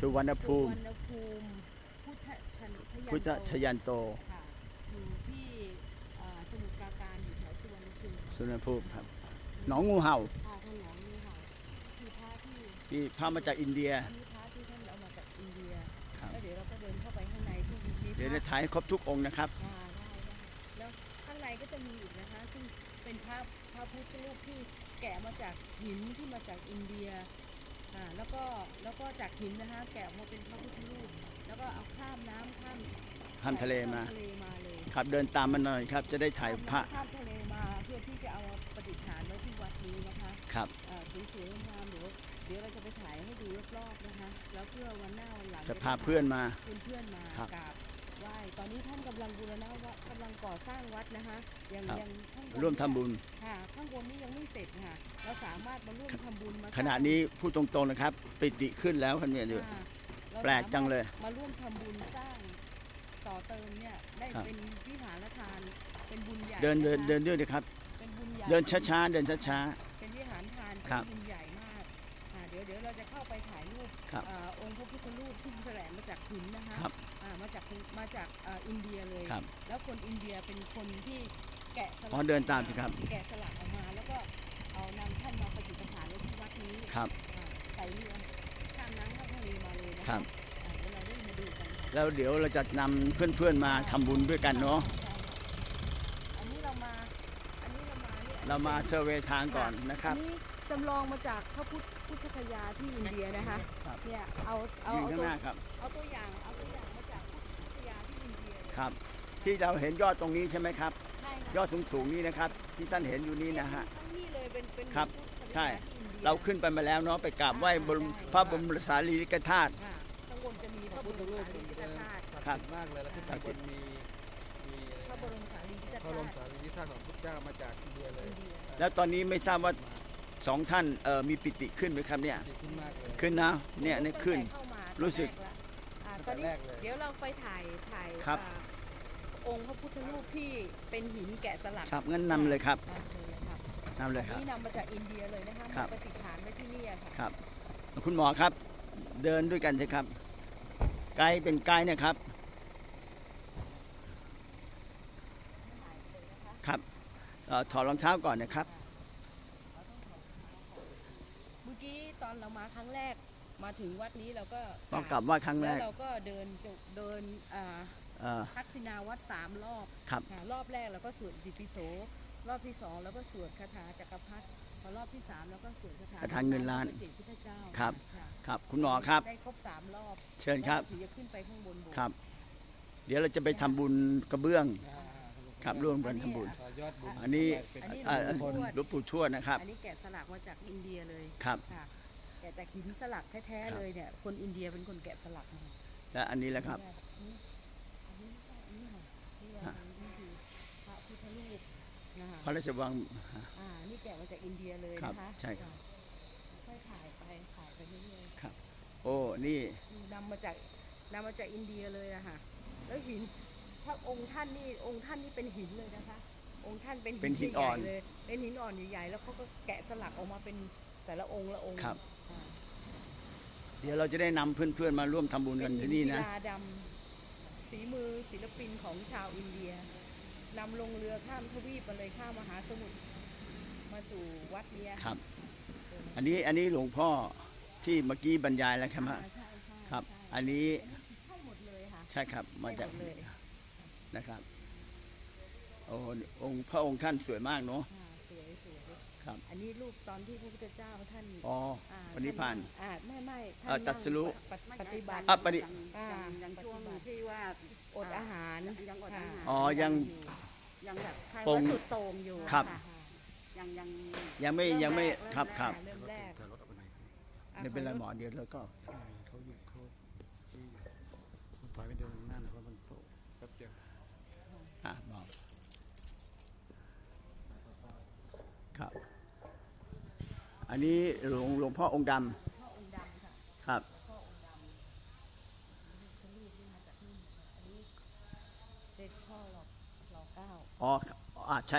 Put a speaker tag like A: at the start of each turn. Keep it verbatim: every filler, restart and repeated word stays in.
A: สุวรรณภูมิ
B: สุวรรณภูมิพุทธชันชยัน
A: พุทธชยันโต
B: ค่ะอยู่ที่เอ่อสมุทรปราการอยู่แถวสุวรรณภูมิ
A: สุวรรณภูมิครับหนองงูเห่า
B: ค่ะท่านหลวงนี่ค่ะคือพระที่
A: ที่พามาจากอินเดีย
B: อันนี้พระที่ท่านเอามาจากอินเดีย
A: ครับ
B: แล้วเดี๋ยวเราก็เดินเข้าไปข้างในที่มีพระ
A: เดี๋ยวจะถ่ายให้ครบทุกองค์นะครับ
B: อ่าได้ได้แล้วข้างในก็จะมีอีกนะคะซึ่งเป็นพระพระพุทธรูปที่แกะมาจากหินที่มาจากอินเดียอ่าแล้วก็แล้วก็จากหินนะคะแกะมาเป็นพระพุทธรูปแล้วก็เอาข้ามน้ำข้าม
A: ข้ามทะเลมา
B: ข้ทะเลมาเลย
A: ครับเดินตามมาหน่อยครับจะได้ถ่ายพระ
B: ข้ามทะเลมาเพื่อที่จะเอามาประดิษฐานไว้ที่วัดนี้นะคะ
A: ครับ
B: อ่าสวยๆงามๆเดี๋ยวเดี๋ยวเราจะไปถ่ายให้ดูรอบๆนะคะแล้วเพื่อวันหน้าวันหลัง
A: จะพาเพื่อนมา
B: เพื่อนๆมากราบไหว้ตอนนี้ท่านกำลังบูรณะวัดกำลังก่อสร้างวัดนะคะยังยังข้างบน
A: ร่วมทำบุญ
B: ค่ะข้างบนนี้ยังไม่เสร็จค่ะเราสามารถมาร่วมทำบุญมา
A: ขณะนี้พูดตรงๆนะครับปิติขึ้นแล้วครับเนี่ยดู
B: ค่ะเรา
A: แปลกจังเลย
B: มาร่วมทำบุญสร้างต่อเติมเนี่ยได้
A: ครับ
B: เป็นวิหารทานเป็นบุญใหญ่
A: เดินเดิน
B: นะคะ
A: เดินด้วยนะครับ
B: เป็นบุญใหญ่
A: เดินช้าๆเดินช้า
B: เป็นวิหารทาน
A: ครั
B: เป็น
A: บ
B: บุญใหญ่มากอ่าเดี๋ยวเดี๋ยวเราจะเข้าไปถ่ายรูป
A: ครับ
B: อ่าองค์พระพุทธรูปซึ่งแสลงมาจากหินนะคะ
A: ครับ
B: อ่ามาจากมาจากอ่าอินเดียเลย
A: ครับ
B: แล้วคนอินเดียเป็นคนที่แกะสลั
A: อ๋อเดินตามสิครับ
B: แกะสลักออกมาแล้วก็เอานำท่านมาประดิษฐานไว้ที่วัดนี้
A: ครับ
B: อ่าใส่เรือข้ามน้ำข้ามทะเลมาเลยนะ
A: ครั
B: คะ
A: บ
B: อ่าเดี๋ยวเราได้มาดูกันค่ะ
A: แล้วเดี๋ยวเราจะนำเพื่อนๆมาทำบุญด้วยกันเนาะ
B: ใช่ค่ะอันนี้เรามาอันนี้เรามาเนี่ย
A: เรามาเซอร์เวย์ทางก่อนนะครับ
B: อันนี้จำลองมาจากพระพุทธพุทธคยาที่อินเดียนะคะ
A: ครับ
B: เนี่ยเอาเอา
A: ยืน
B: เอา
A: ข้าง
B: ตัว
A: หน้าครับ
B: เอาตัวอย่างเอาตัวอย่างมาจากพุทธคยาที่อินเดียเลย
A: ครับ ที่เราเห็นยอดตรงนี้ใช่ไหมครับ
B: ใช่ค่ะ
A: ยอดสูงๆนี้นะครับ ที่ท่านเห็นอยู่นี้นะฮะ
B: ทั้งนี้เลยเป็นเป็น
A: ครับ
B: พุทธคยา
A: ใช่
B: ที่อินเดีย
A: เราขึ้นไปมาแล้วเนาะไปกราบไหว้บรม
B: ใช่
A: พระบรมสารีริกธาตุ
B: อ่าข้างบนจะมีพระบรมสารีริกธาตุ
A: ครับ
C: มากเลยแล้วขึ้น
A: ศั
C: ข้าก ง
A: ดิ์
C: บ
A: สิท
C: น
A: ธิ์
C: มีมี
B: พระบรมสารีริก
C: พระบรม
B: ธา
C: สา
B: ตุ
C: รีริกธาตุของพุทธเจ้ามาจากอินเดียเลย
B: อินเดีย
A: แล้วตอนนี้ไม่ทราบว่าสองท่านเอ่อมีปิติขึ้นไหมครับเนี่ย
C: ดีขึ้นมากเลย
A: ขึ้นนะเนี่ยเนี่ยขึ้น
B: ตั้งแต่เข้ามา
A: รู้สึก
B: ตอนแรกละอ่าตอนนี้
C: ตั้งแต่แรกเลย
B: เดี๋ยวเราไปถ่ายถ่าย
A: ครับ
B: อ่าองค์พระพุทธรูปที่เป็นหินแกะสลัก
A: ครับงั้นนำเลยครับ
B: อ่าเชิญเลยครับ
A: นำเลยครับ
B: นี่นำมาจากอินเดียเลยนะคะ
A: ครั
B: มา
A: บ
B: ประดิษฐานไว้ที่นี่อะค่ะ
A: ครับ คุณหมอครับ เดินด้วยกันสิครับ ไกด์เป็นไกด์นะครับ ครับเอ่อถอดรองเท้าก่อนนะครับ
B: เมื่อกี้ตอนเรามาครั้งแรกมาถึงวัดนี้เราก็
A: ต้องกลับไหว่าครั้งแร
B: แล้ว
A: ก
B: เราก็เดินจงเดินอ่า
A: เอ่อ
B: ทักษิณาวัดสามรอบ
A: ครับ
B: ค่ะรอบแรกเราก็สวดอิติปิโสรอบที่สองเราก็สวดคาถาจักรพรรดิพอรอบที่สามเราก็สวดคาถา
A: คาถาเงินล้าน
B: พระเจ้พุทธเจ้า
A: ครับ
B: ค่ะ
A: ครับ คุณหมอครับ
B: ได้ครบสามรอบ
A: เชิญครับ
B: แล้วถึงจะขึ้นไปข้างบนโบสถ์
A: ครับ เดี๋ยวเราจะไปทำบุญกระเบื้อง ครับร่วมกันทำบุญ
C: ต่อยอดบุญ
A: อันนี้
C: เป็น
B: อันนี้
A: อ่า
B: หลวงปู่ทวด
A: หลวงปู่ทวดนะครับ
B: อันนี้แกะสลักมาจากอินเดียเลย
A: ครับ
B: ค่ะแกะจากหินสลักแท้
A: ครับ
B: ๆเลยเนี่ยคนอินเดียเป็นคนแกะสลักมา
A: และอันนี้แหละครับ
B: อันนี้อันนี้อันนี้ค่ะนี่อันนี้คือพระพุทธรูปนะคะ
A: พระราชวัง
B: อ่านี่แกะมาจากอินเดียเลย
A: ครับ
B: นะคะ
A: ใช่ครับ
B: ค่อยถ่ายไปถ่ายไปเรื่อย
A: ครับ โอ้ นี่
B: ๆนำมาจากนำมาจากอินเดียเลยอะค่ะแล้วหินถ้าองค์ท่านนี่องค์ท่านนี่เป็นหินเลยนะคะ องค์ท่านเป็น
A: เป็นหิน
B: ใญ่ๆ
A: อ่อน
B: เลยเป็นหินอ่อนใหญ่ๆแล้วเขาก็แกะสลักออกมาเป็นแต่ละองค์ละองค์
A: ครับ
B: อ่า
A: เดี๋ยวเราจะได้นำเพื่อนๆมาร่วมทำบุญ
B: เป็
A: กัน น
B: หิ
A: ที่
B: น
A: นี่
B: ศิ
A: นะ
B: ลาดำฝีมือศิลปินของชาวอินเดียนำลงเรือข้ามทวีปมาเลยข้ามมหาสมุทรมาสู่วัดเนี้ย
A: ครับ อันนี้ อันนี้หลวงพ่อที่เมื่อกี้บรรยายแล้วครับ
B: อ่าใช่ใช่
A: ครับ
B: ใช่
A: อันนี้
B: ใช่หมดเลยค่ะ
A: ใช่ครับ มาจาก
B: ใช่หดเลย
A: นะครับ โอ้องค์พระองค์ท่านสวยมากเนาะ
B: อ่าสวยสวย
A: ครับ
B: อันนี้รูปตอนที่พระพุทธเจ้าท่าน
A: อ๋อ
B: อ่า
A: วันนี้ผ่าน
B: อ่าไม่ไม่
A: เอ่อตรัสรู้
B: ปฏิปฏิบัติ
A: อ่ะปฏิ
B: อ่า
D: อย่างช่วงที่ว่า
B: อดอาหาร
D: ยังอดอาหาร
A: อ๋อ ยัง
D: ยังแบบใคร
A: ปรง
D: ว่าสุดโต่งอยู่
A: ครับ
D: ะยังยัง
A: ยังไม่ ยังไม่ ครับครับ
B: เริ่มแรก
C: ถอยรถออกไปไหน
A: ไม่เป็นไรหมอ เดี๋ยวเราก็
C: เขาอยู่เขาที่ถอยไปเดินหน้าหน่อยเพราะมันโตแป๊บเดียว
A: อ่ะบอกครับ อันนี้หลวงหลวงพ่อองค์ด
B: พ่อองค์ดำค่ะ
A: ำครับ
B: พ่อองค์ดำเป็นรูปที่มาจากนี่อันนี้เด็กพ่อหลอกหลอกเก้า
A: อ๋ออ่าใช่